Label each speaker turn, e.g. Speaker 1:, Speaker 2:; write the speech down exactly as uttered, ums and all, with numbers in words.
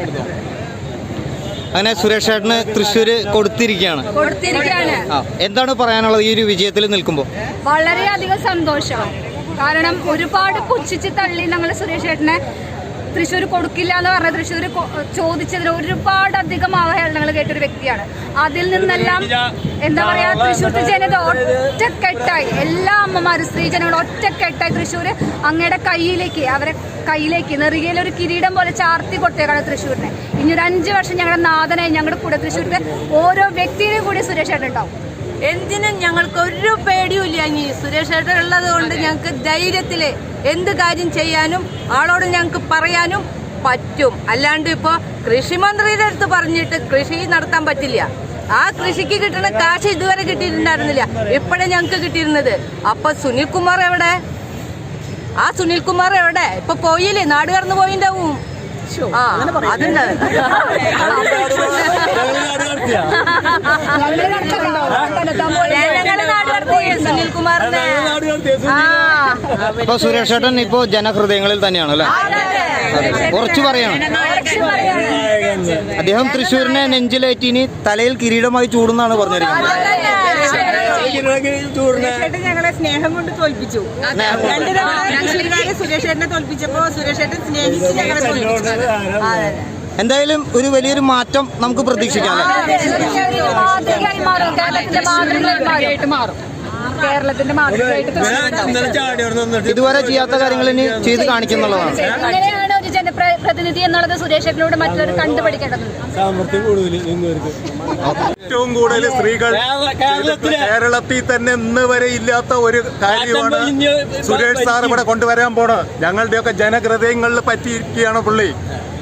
Speaker 1: അങ്ങനെ സുരേഷ് ചേട്ടന് തൃശ്ശൂര് കൊടുത്തിരിക്കുകയാണ്
Speaker 2: കൊടുത്തിരിക്കുകയാണ്
Speaker 1: എന്താണ് പറയാനുള്ളത് ഈ ഒരു വിജയത്തിൽ നിൽക്കുമ്പോൾ?
Speaker 2: വളരെയധികം സന്തോഷം. കാരണം ഒരുപാട് പുച്ഛിച്ച് തള്ളി ഞങ്ങൾ സുരേഷ് ചേട്ടനെ തൃശ്ശൂർ കൊടുക്കില്ല എന്ന് പറഞ്ഞ തൃശ്ശൂർ ചോദിച്ചതിന് ഒരുപാട് അധികം അവഹേളനങ്ങൾ കേട്ടൊരു വ്യക്തിയാണ്. അതിൽ നിന്നെല്ലാം എന്താ പറയാ, തൃശ്ശൂർ ജനത ഒറ്റക്കെട്ടായി, എല്ലാ അമ്മമാരും സ്ത്രീജനങ്ങളും ഒറ്റക്കെട്ടായി തൃശ്ശൂർ അങ്ങയുടെ കയ്യിലേക്ക്, അവരെ കയ്യിലേക്ക് നെറുകയിൽ ഒരു കിരീടം പോലെ ചാർത്തി കൊടുത്തേക്കാണ് തൃശ്ശൂരിനെ. ഇനി ഒരു അഞ്ചു വർഷം ഞങ്ങളുടെ നാഥനായി ഞങ്ങളുടെ കൂടെ തൃശ്ശൂരിന്റെ ഓരോ വ്യക്തിയിലും കൂടി സുരേഷ് ചേട്ടൻ ഉണ്ടാവും.
Speaker 3: എന്തിനും ഞങ്ങൾക്ക് ഒരു പേടിയുമില്ല. ഇനി സുരേഷ് ചേട്ടൻ ഉള്ളത് കൊണ്ട് ഞങ്ങൾക്ക് ധൈര്യത്തില് എന്ത് കാര്യം ചെയ്യാനും ആളോട് ഞങ്ങൾക്ക് പറയാനും പറ്റും. അല്ലാണ്ട് ഇപ്പൊ കൃഷിമന്ത്രിയുടെ അടുത്ത് പറഞ്ഞിട്ട് കൃഷി നടത്താൻ പറ്റില്ല. ആ കൃഷിക്ക് കിട്ടുന്ന കാശ് ഇതുവരെ കിട്ടിയിട്ടുണ്ടായിരുന്നില്ല, ഇപ്പോഴേ ഞങ്ങൾക്ക് കിട്ടിയിരുന്നത്. അപ്പൊ സുനിൽകുമാർ എവിടെ? ആ സുനിൽകുമാർ എവിടെ? ഇപ്പൊ പോയില്ലേ, നാട് കടന്നു പോയിണ്ടാവും. ആ അതുണ്ട്. സുനിൽകുമാറിനെ
Speaker 1: ഇപ്പൊ സുരേഷ് ചേട്ടൻ ഇപ്പോ ജനഹൃദയങ്ങളിൽ തന്നെയാണ് അല്ലേ? കുറച്ച് പറയണം. അദ്ദേഹം തൃശ്ശൂരിനെ നെഞ്ചിലേറ്റി ഇനി തലയിൽ കിരീടമായി ചൂടുന്നാണ് പറഞ്ഞിരിക്കുന്നത്.
Speaker 4: ഞങ്ങളെ സ്നേഹം കൊണ്ട് തോൽപ്പിച്ചു. രണ്ടു തവണ സുരേഷ് ചേട്ടനെ തോൽപ്പിച്ചപ്പോ സുരേഷ് ചേട്ടൻ സ്നേഹിച്ച് ഞങ്ങളെ തോൽപ്പിച്ചു.
Speaker 1: എന്തായാലും ഒരു വലിയൊരു മാറ്റം നമുക്ക് പ്രതീക്ഷിക്കാം.
Speaker 2: കേരളത്തിന്റെ മാതൃകയായിട്ട്
Speaker 1: ഇതുവരെ ചെയ്യാത്ത കാര്യങ്ങൾ ഇനി ചെയ്ത് കാണിക്കുന്നുള്ളതാണ്.
Speaker 2: എങ്ങനെയാണ് ഒരു ജനപ്രതിനിധി എന്നുള്ളത് സുരേഷ് ചേട്ടനോട് മറ്റുള്ളവർ കണ്ടുപഠിക്കേണ്ടതുണ്ട്.
Speaker 5: ഏറ്റവും കൂടുതൽ സ്ത്രീകൾ കേരളത്തിൽ തന്നെ ഇന്ന് വരെ ഇല്ലാത്ത ഒരു കാര്യമാണ് സുരേഷ് സാർ ഇവിടെ കൊണ്ടുവരാൻ പോണത്. ഞങ്ങളുടെയൊക്കെ ജനഹൃദയങ്ങളിൽ പറ്റിയിരിക്കുകയാണ് പുള്ളി.